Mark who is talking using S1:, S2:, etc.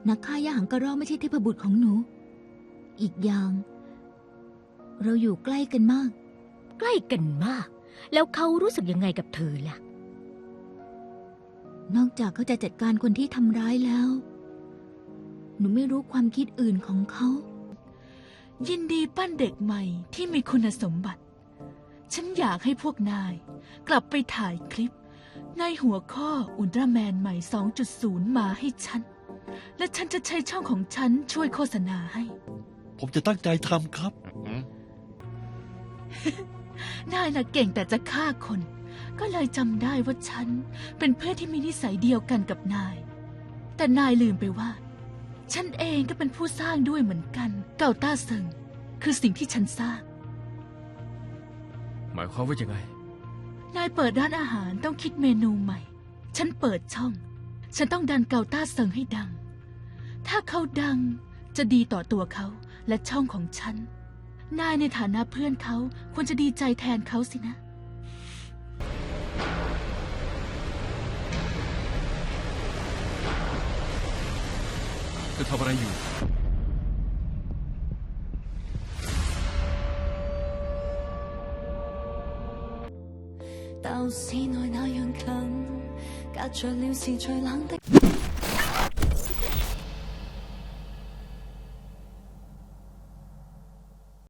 S1: นักฆ่ายาหังกระรอกไม่ใช่เทพบุตรของหนูอีกอย่างเราอยู่ใกล้กันมาก
S2: ใกล้กันมากแล้วเขารู้สึกยังไงกับเธอล่ะ
S1: นอกจากเขาจะจัดการคนที่ทำร้ายแล้วหนูไม่รู้ความคิดอื่นของเขา
S3: ยินดีปั้นเด็กใหม่ที่มีคุณสมบัติฉันอยากให้พวกนายกลับไปถ่ายคลิปในหัวข้ออุลตร้าแมนใหม่ 2.0 มาให้ฉันและฉันจะใช้ช่องของฉันช่วยโฆษณาให้
S4: ผมจะตั้งใจทำครับ
S3: นายน่ะเก่งแต่จะฆ่าคนก็เลยจำได้ว่าฉันเป็นเพื่อนที่มีนิสัยเดียวกันกับนายแต่นายลืมไปว่าฉันเองก็เป็นผู้สร้างด้วยเหมือนกันเก่าต้าเซิงคือสิ่งที่ฉันสร้าง
S5: หมายความว่ายังไง
S3: นายเปิดร้านอาหารต้องคิดเมนูใหม่ฉันเปิดช่องฉันต้องดันเก่าต้าเซิงให้ดังถ้าเขาดังจะดีต่อตัวเขาและช่องของฉันนายในฐานะเพื่อนเขาควรจะดีใจแทนเขาสินะ
S5: จะทำอะไรอยู่
S6: 鬥市內那樣近，隔着了是最冷的。